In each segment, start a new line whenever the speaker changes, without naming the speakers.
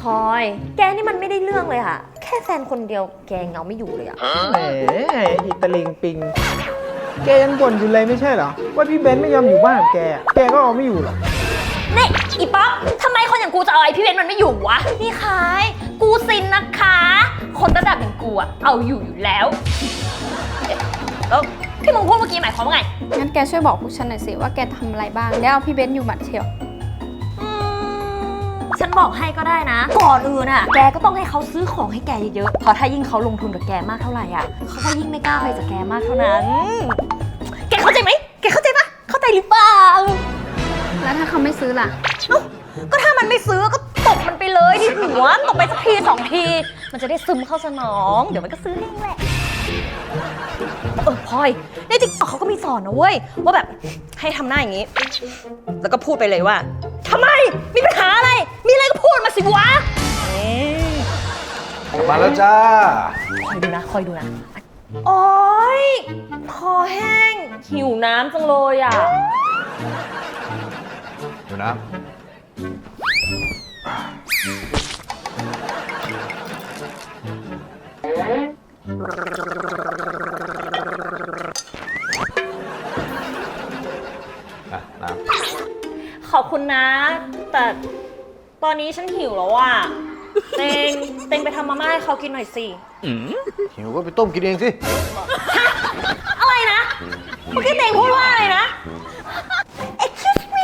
อย แกนี่มันไม่ได้เรื่องเลยค่ะแค่แฟนคนเดียวแกเงาไม่อยู่เลยอะ
แหมอิตาลิงปิงแกยังบ่นอยู่เลยไม่ใช่เหรอว่าพี่เบนซ์ไม่ยอมอยู่บ้านกับแกก็เอาไม่อยู่หรอก
นี่อีป๊อปทำไมคนอย่างกูจะเอาไอ้พี่เบนซ์มันไม่อยู่วะนี่คายกูซินนะคะคนระดับอย่างกูอะเอาอยู่แล้วแล้วที่มึงพูดเมื่อกี้หมายความว่าไง
งั้นแกช่วยบอกพวกฉันหน่อยสิว่าแกทำอะไรบ้างแล้วเอาพี่เบนซ์อยู่หมัดเชียว
ฉันบอกให้ก็ได้นะก่อนอื่นอะแกก็ต้องให้เขาซื้อของให้แกเยอะๆเพราะถ้ายิ่งเขาลงทุนกับแกมากเท่าไหร่อะเขาก็ยิ่งไม่กล้าไปจากแกมากเท่านั้นแกเข้าใจไหมแกเข้าใจปะเข้าใจหรือเปล่า
แล้วถ้าเขาไม่ซื้อล่ะ
ก็ถ้ามันไม่ซื้อก็ตบมันไปเลยที่หัวตบไปสักที2 ทีมันจะได้ซึมเข้าสมองเดี๋ยวมันก็ซื้อเองแหละพลอยในติ๊กต็อกเขาก็มีสอนนะเว้ยว่าแบบให้ทำหน้าอย่างนี้แล้วก็พูดไปเลยว่าทำไมมีปัญหาอะไรมีอะไรก็พูดมาสิวะ
มาแล้วจ้า
คอยดูนะโอ๊ยคอแห้งหิวน้ำจังเลยอ่ะ
ดูนะน้
ขอบคุณนะแต่ตอนนี้ฉันหิวแล้วอ่ะเต็งไปทำมาม่าให้เขากินหน่อยสิ
หิวก็ไปต้มกินเองสิ
อะไรนะเมื่อกี้เต็งพูดว่าอะไรนะ Excuse me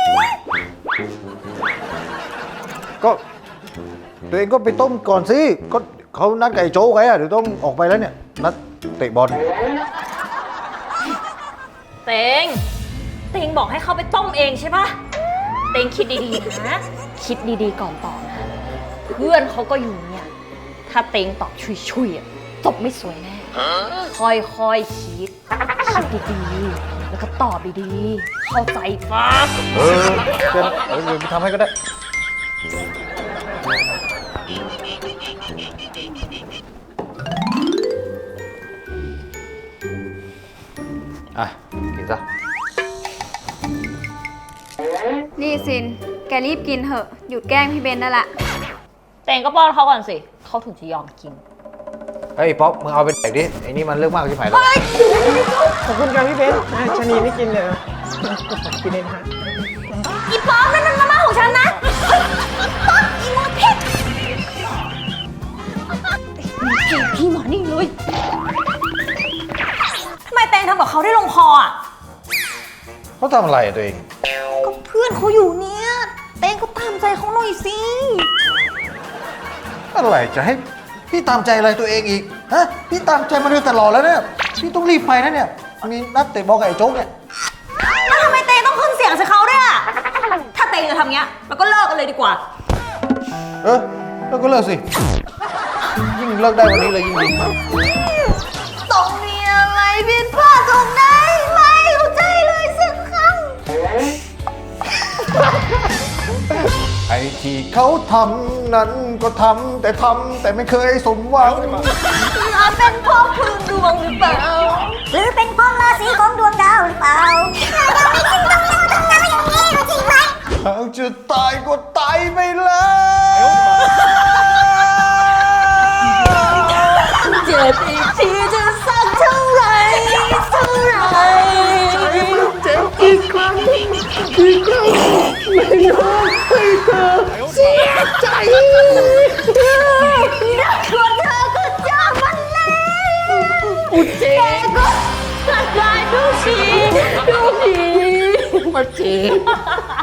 ก็ตัวเองก็ไปต้มก่อนสิก็เขานัดไก่โจ๊กไว้อะเดี๋ยวต้องออกไปแล้วเนี่ยนัดเตะบอล
เต็งบอกให้เขาไปต้มเองใช่ปะเต็งคิดดีๆนะคิดดีๆก่อนตอบนะเพื่อนเขาก็อยู่เนี่ยถ้าเต็งตอบชุยๆจบไม่สวยแน่ค่อยๆคิดดีๆแล้วก็ตอบดีๆเข้าใจปะ
เดี๋ยวไปทำให้ก็ได้กินซะ
นี่ซินแกรีบกินเถอะหยุดแกล้งพี่เบนได้ละ
เต็งก็ป้อนเขาก่อนสิเขาถึงจะยอมกิน
เฮ้ยป๊อปมึงเอาไปแดกดิไอ้นี่มันเรื่องมากที่ไหนแล้ว
ขอบคุณครับพี่เบนซ์ชะนีไม่กินเลยกินเองฮะ
อีป๊อปนั่นมันมาม่าของฉันนะป๊อปอีโมเทสพี่หมอนี่เลยทำไมเต็งทำกับเขาได้ลงคออ่ะ
เขาทำอะไรตัวเอง
ก็เพื่อนเขาอยู่เนี่ยเต็งก็ตามใจเขาหน่อยสิ
อะไรจะให้พี่ตามใจอะไรตัวเองอีกฮะพี่ตามใจมาโดยตลอดแล้วเนี่ยพี่ต้องรีบไปนะเนี่ยมีนัดเตะบอลกับไอ้โจ๊กเนี่ย
แล้วทำไมเต็งต้องขึ้นเสียงใส่เขาด้วยอ่ะถ้าเต็งจะทำเงี้ยเราก็เลิกกันเลยดีกว่า
แล้วก็เลิกสิยิ่งเลิกได้วันนี้เลยยิ่งดี
ต้องมีอะไรผิดพลาดตรงไหนไม่เข้าใจเลยสักครั้ง
ไอ้ที่เขาทำนั้นก็ทำแต่ไม่เคยสมหวัง
อาจเป็นเพราะพื้นดวงหรือเปล่าหรือเป็นเพราะราศีของดวงดาวหรือเปล่ายังไม่ถึงตรงนั้นอย่างนี้จริงไหม
หากจะตายก็ตายไปแล้ว
เจ็บอีกทีจะสักเท่าไร
เจ็บอีกครั้งไม่ยอมให้เธอเสียใจ
ควรเธอก็เจอมันแล้ว
เจ็บ
ก็ได้ทุกที
มาเจ็บ